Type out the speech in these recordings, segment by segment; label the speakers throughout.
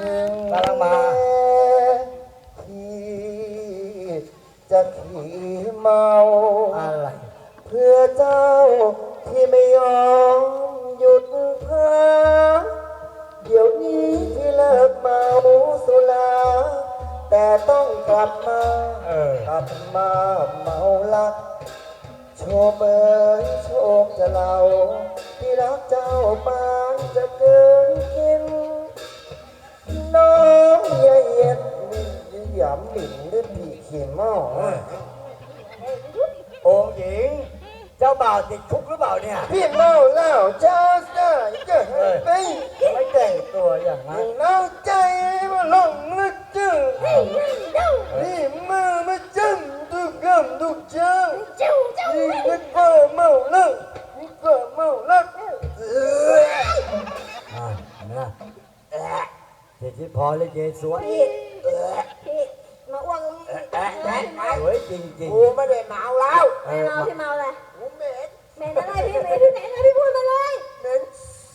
Speaker 1: กำลังมา
Speaker 2: ที่จะขี่เมา
Speaker 1: อะไร
Speaker 2: เพื่อเจ้าที่ไม่ยอมหยุดพักเดี๋ยวนี้ที่เลิกเมาสุราแต่ต้องกลับมากลับมาเมาลักโชคเอ๋ยโชคจะเล่าที่รักเจ้าปานจะเกินกินน้องอย่าเย็ดหยำหมิ่นด้วยผีขี้เมา
Speaker 1: องค์หญิงเจ้าบ่าวติดคุกหรือเปล่าเนี่ย
Speaker 2: พี่เมาแล้วเจ้าได้จะไป
Speaker 1: ไม่แต่งตัวอย่างนั้น
Speaker 2: น้าใจมาหลงลึกจึงนี่มือมาจึงทุกคำทุกเจ้านี่ก็เมาแล้วนี่ก็เมาแล้ว
Speaker 1: นะเสร็จที่พอเลยเจสวย
Speaker 3: พี่มาอ้วก
Speaker 1: สวยจริงๆ
Speaker 2: กูไม่ได้เมาแล้ว
Speaker 3: ไม่เมาพี่เมาอะไร
Speaker 2: กูเหม็น
Speaker 3: เหม็นอะไรพี่เหม็นที่ไหนนะพี่พูดมาเลย
Speaker 2: เหม็น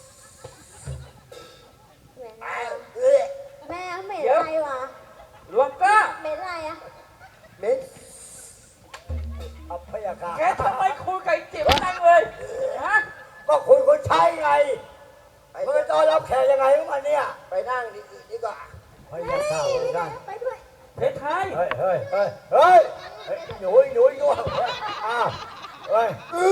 Speaker 3: แม่เหม็นอะไรวะ
Speaker 4: หลวงก้า
Speaker 3: เหม็นอะไรอะ
Speaker 2: เหม็น
Speaker 1: เอาพยาการ
Speaker 4: แกทำไมคุยไก่จิ๋วนั่งเลยฮะ
Speaker 1: ก็คุณคนใช้ไงเมื่อตอนรับแขกยังไงของมันเนี่ย
Speaker 2: ไปนั่งดีกว่า
Speaker 1: พยาการไปนั่ง
Speaker 3: ไปด้วย
Speaker 4: เพชรไทย
Speaker 1: หนุ่ยอ้าวเฮ้ย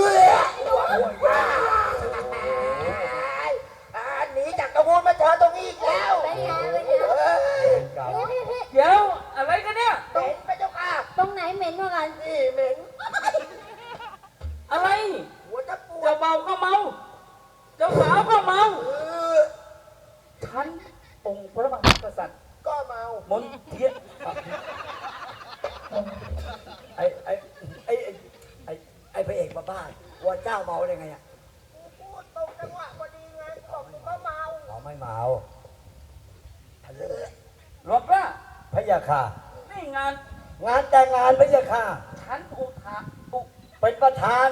Speaker 2: หนีจากตะวูนมาเจอตรงนี้อีกแล้ว
Speaker 3: ไปไง
Speaker 4: เดี๋ยวอะไรกันเนี่ย
Speaker 2: เหม็นไปเจ้าค่ะ
Speaker 3: ตรงไหนเหม็นกว่ากัน
Speaker 2: นี่เหม็น
Speaker 4: อะไร
Speaker 2: หัวจะปวด
Speaker 4: เจ้าเบาก็เมาเจ้าสาวก็เมาฉันองค์พระมหากษัตริย์
Speaker 2: ก็เมาม
Speaker 4: นเทียน
Speaker 1: ไอ้พระเอกบ้าวัวเจ้าเมาได้ไงอ่ะ
Speaker 2: พูดตรงจังหวะพอดีไงบอกกูก็เมา
Speaker 1: ไม่เมา
Speaker 4: หลวงก้า
Speaker 1: พยาค่ะ
Speaker 4: นี่งาน
Speaker 1: แต่งงานพยาค่ะ
Speaker 4: ฉัน
Speaker 1: เป็นประธาน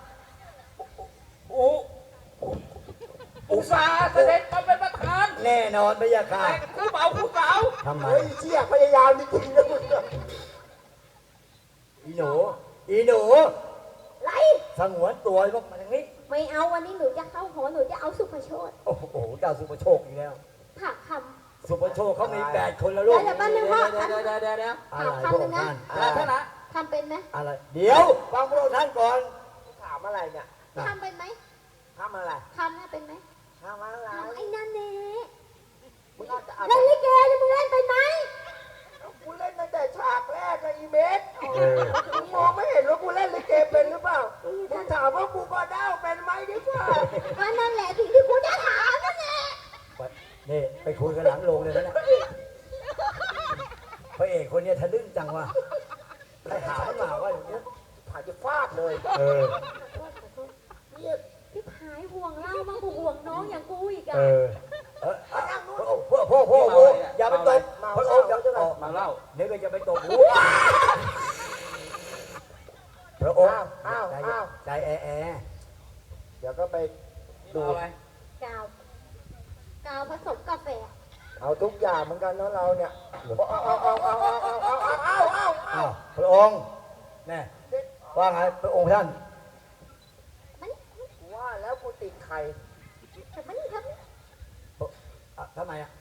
Speaker 4: อุตสาห์เสด็จมาเป็นประธาน
Speaker 1: แน่นอนพยาค่ะ
Speaker 4: แต่คือเบาผู้สาว
Speaker 1: ทำไม
Speaker 2: เชี่ยพยายามจริงๆนะมึง
Speaker 1: อีหนู
Speaker 3: ไร
Speaker 1: สงวนตัวพวกมันอย่างนี้
Speaker 3: ไม่เอาวันนี้หนูจะเข้าหอหนูจะเอาสุภโชต
Speaker 1: โอ้โหเจ้าสุภโชคอีกแล้ว
Speaker 3: ผักค
Speaker 1: ำสุภโชคเขามี8 คนแล้วลูก
Speaker 3: เดี๋ยวแป๊บนึงพ่อ
Speaker 4: เดี๋ยว
Speaker 1: อะไรพวกท่าน
Speaker 4: ท่านนะ
Speaker 3: ทำเป็นไหม
Speaker 1: อะไรเดี๋ยวฟังพวกท่านก่อน
Speaker 2: ถามอะไรเนี่ย
Speaker 3: ทำเป็นไหม
Speaker 2: ทำอะไร
Speaker 3: ทำเนี่ยเป็นไหม
Speaker 2: ทำอะไร
Speaker 3: ทำไอ้นั่นเน่
Speaker 2: มึงเอาจะ
Speaker 3: เล่นลิเกเนี่ยมึงเล่นเป็นไหม
Speaker 2: กูเล่นตั้งแต่ฉากแรกเลยอีเมสมึงมองไม่เห็นว่ากูเล่นลิเกเป็นหรือเปล่ามึงถามว่ากูก็เด้าเป็นไหมดีกว่า
Speaker 3: นั่นแหละสิ่งที่กูจะถามนั่นแหละ
Speaker 1: นี่ไปคุยกันหลังโรงเลยนะพระเอกคนนี้ทะลึ่งจังวะใครถามมาว่าอย่างนี้
Speaker 2: ถ่ายจะฟาดเลย
Speaker 3: พี่พายห่วงเล่ามาห่วงน้องอย่างกูอีกอ่ะ
Speaker 1: พวกอย่าไปตบพระองค์
Speaker 4: มาเล่า
Speaker 1: เดี๋ยวจะไปตบพระองค์ใจแอ
Speaker 2: เดี๋ยวก็ไปดู
Speaker 3: กาวผสมกาแฟ
Speaker 2: เอาทุกอย่างเหมือนกันเนาะเราเนี่ย
Speaker 1: พระองค์แน่ว่าไงพระองค์ท่าน
Speaker 2: ว่าแล้วกูติดไข่
Speaker 1: ทำไมอ่ะ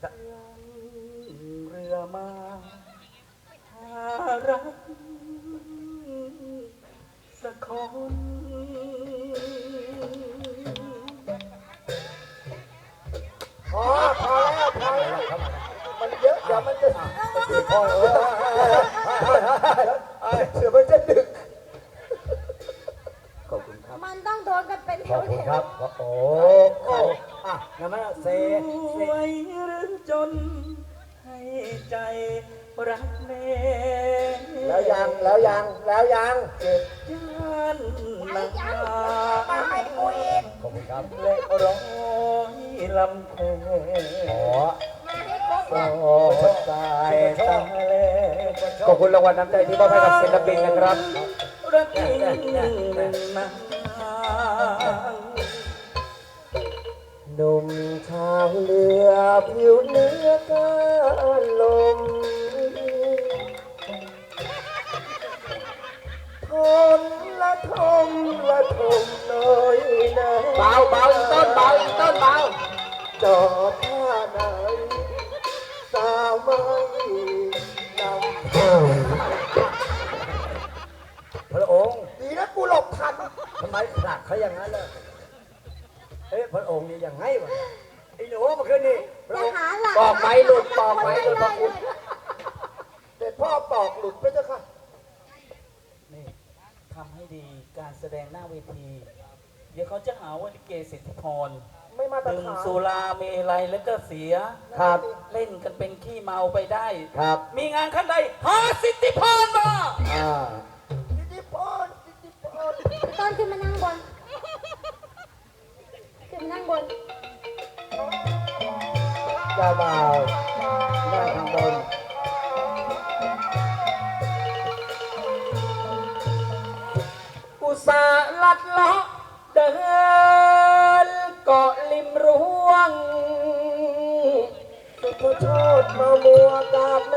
Speaker 4: เรือมาหารักสักคน
Speaker 2: พอแล้วมันเยอะเดี๋ยวมันจะพอเสือมันจะดึก
Speaker 1: ขอบคุณครับ
Speaker 3: มันต้องโดนกันเป็น
Speaker 1: ขอบคุณครับโอ้งั้นมาเซ่
Speaker 4: รวยหรือจนให้ใจรักแม่
Speaker 2: แล้วยังเจ็บยัน
Speaker 4: นัก
Speaker 2: มาให้กูอีก
Speaker 1: ขอบคุณครับ
Speaker 4: และร้อยลำเพ
Speaker 1: ตายทะเล
Speaker 2: ขอบคุณรางวัลน้ำใจที่มอบให้กับศิลปินนะครับ
Speaker 4: รักนะ
Speaker 2: หนุ่มชาวเรือผิวเนื้อการลมทนละทมละทมน้อยนะ
Speaker 4: เบาเบาอีกต้นเบาอีกต้นเบา
Speaker 2: จอดท่าไหนสาวไม่นำ
Speaker 1: พระองค์
Speaker 2: ดีนะกูหลบทัน
Speaker 1: ทำไมผลักเขาอย่างนั้นล่ะเอ๊ะพระองค์นี่ยังไงวะไอ้หนูเมื่อคืนนี่พระ
Speaker 3: จะ
Speaker 1: องค์
Speaker 3: หาหลัก
Speaker 4: ปอกไม้หลุดปอกไม้หลุด
Speaker 3: เล
Speaker 4: พระ
Speaker 3: ย
Speaker 4: คุณ
Speaker 2: แต่พ่อปอกหลุดไปเจ้าค่ะ
Speaker 4: นี่ทำให้ดีการแสดงหน้าเวที เดี๋ยวเขาจะหาว่าลิเกสิทธิพร
Speaker 2: ไม่มาตร
Speaker 4: ดื่ม
Speaker 2: ฐาน
Speaker 4: สุราเมลัยแล้วก็เสีย
Speaker 1: ครับ
Speaker 4: เล่นกันเป็นขี้เมาไปได้
Speaker 1: ครับ
Speaker 4: มีงานขั้นใดหาสิทธิพรมา
Speaker 1: อ่า
Speaker 2: สิทธิพรสิทธิพร
Speaker 3: ต้นขึ้นมานั่งบน ขึ้นมานั่งบน
Speaker 1: เจ้าบ่าวนั่งข้างบน
Speaker 4: อุตส่าห์ลัดเลาะเดินเกาะริมรั้วง
Speaker 2: สุภโชดมามัวกราบแม่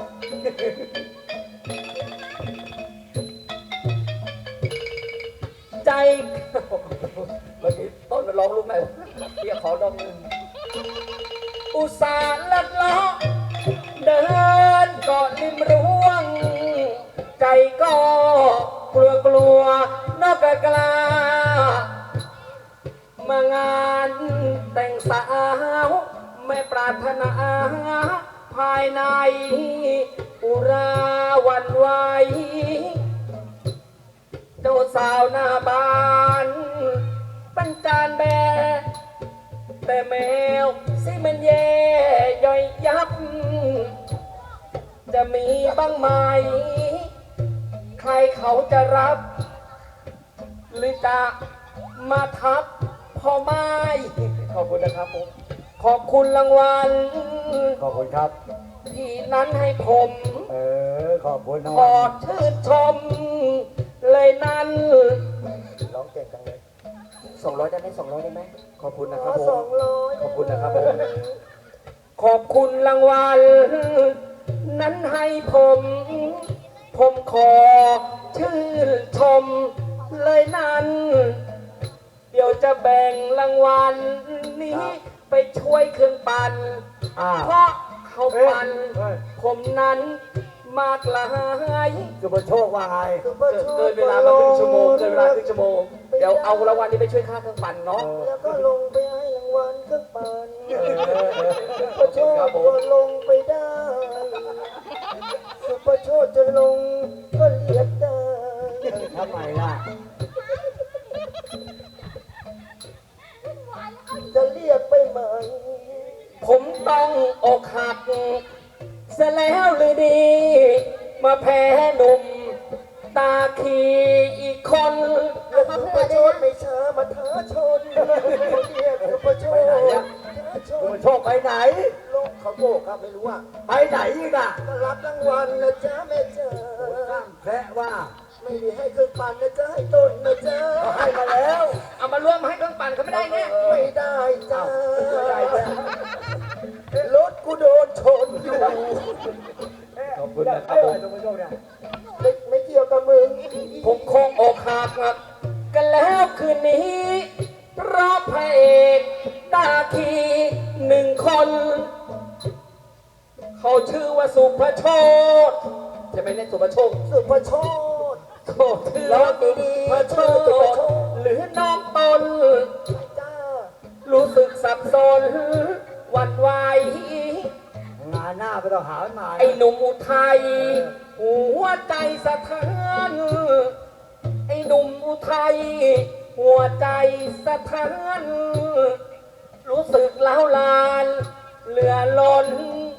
Speaker 4: ใจ เมื่อกี้ต้นมันร้องลูกไหนวะเรียกขอดมหนึ่งอุตส่าห์ลัดเลาะเดินเกาะริมรั้วง ใจก็กลัวกลัวนกกล้ามางานแต่งสาวไม่ปรารถนาภายในอุราหวันไหวเจ้าสาวหน้าบ้านปัญจานแบแต่แมวสิมันแย่ย่อยยับ จะมีบ้างไหม ใครเขาจะรับ หรือจะมาทับพ่อไม้ ขอบคุณนะครับผม ขอบคุณรางวัล
Speaker 1: ขอบคุณครับ
Speaker 4: ที่นั้นให้ผม
Speaker 1: ขอบคุณนะ
Speaker 4: ขอชื่นชม เลยนั้น
Speaker 2: ร้องเก่งจังเลย
Speaker 4: 200ได้ไหม200ได้ไหมขอบคุณนะ
Speaker 2: ข
Speaker 4: ครั
Speaker 2: อบ
Speaker 4: ผ
Speaker 2: สอ
Speaker 4: ม
Speaker 2: งร้อย
Speaker 4: ขอบคุณนะครับผม ขอบคุณรางวัล นั้นให้ผม ผมขอชื่นชม เลยนั้น เดี๋ยวจะแบ่งรางวัลนี้ ไปช่วยเครื่องปั่น
Speaker 1: อ่า
Speaker 4: เพราะเขาปั่น
Speaker 1: เฮ้ย
Speaker 4: ผมนั้นมากหลาย
Speaker 1: สุภโชคว่าไง
Speaker 2: สุภโช
Speaker 4: เกิ
Speaker 2: ด
Speaker 4: นเวลามาครึ่งชั่วโมงเกินเวลาครึ่งชั่วโมง เดี๋ยวเอารางวัลนี้ไปช่วยค่าเครื่องปั่นเนาะ
Speaker 2: แล้วก็ลงไปให้รางวัลเครื่องปั่น สุภโช
Speaker 4: ครั
Speaker 2: ด
Speaker 4: บผม
Speaker 2: ก็ลงไปได้ สุภโชดจะลงก็เรียกได้
Speaker 1: ทำไมล่ะ
Speaker 2: จะเรียกไปไหม
Speaker 4: ผมต้องอกหักเสียแล้วหรือดี มาแพ้หนุ่ม ตาขีอีกคน
Speaker 2: แล้วสุภโชดไม่ช้ามาท้าชนเรียกสุภโชด
Speaker 1: ไปไหนอะ
Speaker 2: ท้าช
Speaker 1: สุ
Speaker 2: น
Speaker 1: ภโชคไปไหน
Speaker 2: ลงเขาโบกครับไม่รู้อ่ะ
Speaker 1: ไปไหนอีกอ่ะ
Speaker 2: ก็รับรางวัลนะจ๊ะแม่จ๋า
Speaker 1: สร้างแพะว่า
Speaker 2: ไม่ได้ให้เครื่องปั่นนะจ๊ะให้ต้นนะจ๊ะ
Speaker 1: เขาให้มาแล้ว
Speaker 4: เอามารวมให้เครื่องปั่นเขาไม่ได้เนี่ย
Speaker 2: ไม่ได้จ้า
Speaker 1: ไม่ได้จ้ะ
Speaker 2: รถกูโดนชนอยู่
Speaker 1: ขอบคุณนะครับผมสุภโชคเนี่ย
Speaker 2: ไม่เกี่ยวกับมึง
Speaker 4: ผมคงอกหักกันแล้วคืนนี้ เพราะพระเอกตาคีหนึ่งคน เขาชื่อว่าสุภโชตใช่ไหมเนี่ยสุภโชต
Speaker 2: สุภโชด
Speaker 4: โทษชื่อว่าสุภโชตหรือน้องตน
Speaker 2: จ้า
Speaker 4: รู้สึกสับสนหวั่นไหว
Speaker 1: งานหน้าไปต้องหามันมา
Speaker 4: ไอ้หนุ่มอุทัยหัวใจสะเทือน ไอ้หนุ่มอุทัยหัวใจสะเทือน รู้สึกล้าวลานเหลือล้น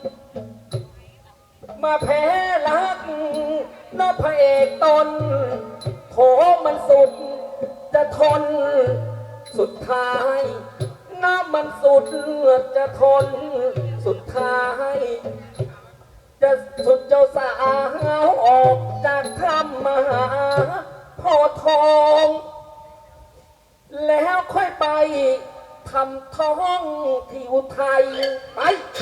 Speaker 4: มาแพ้รักนพระเอกตนโถมันสุดจะทน สุดท้ายน้ำมันสุดจะทน สุดท้าย จะสุดเจ้าสาวออกจากถ้ำมาหาพ่อทอง แล้วค่อยไปททำท้องที่อุทัยไป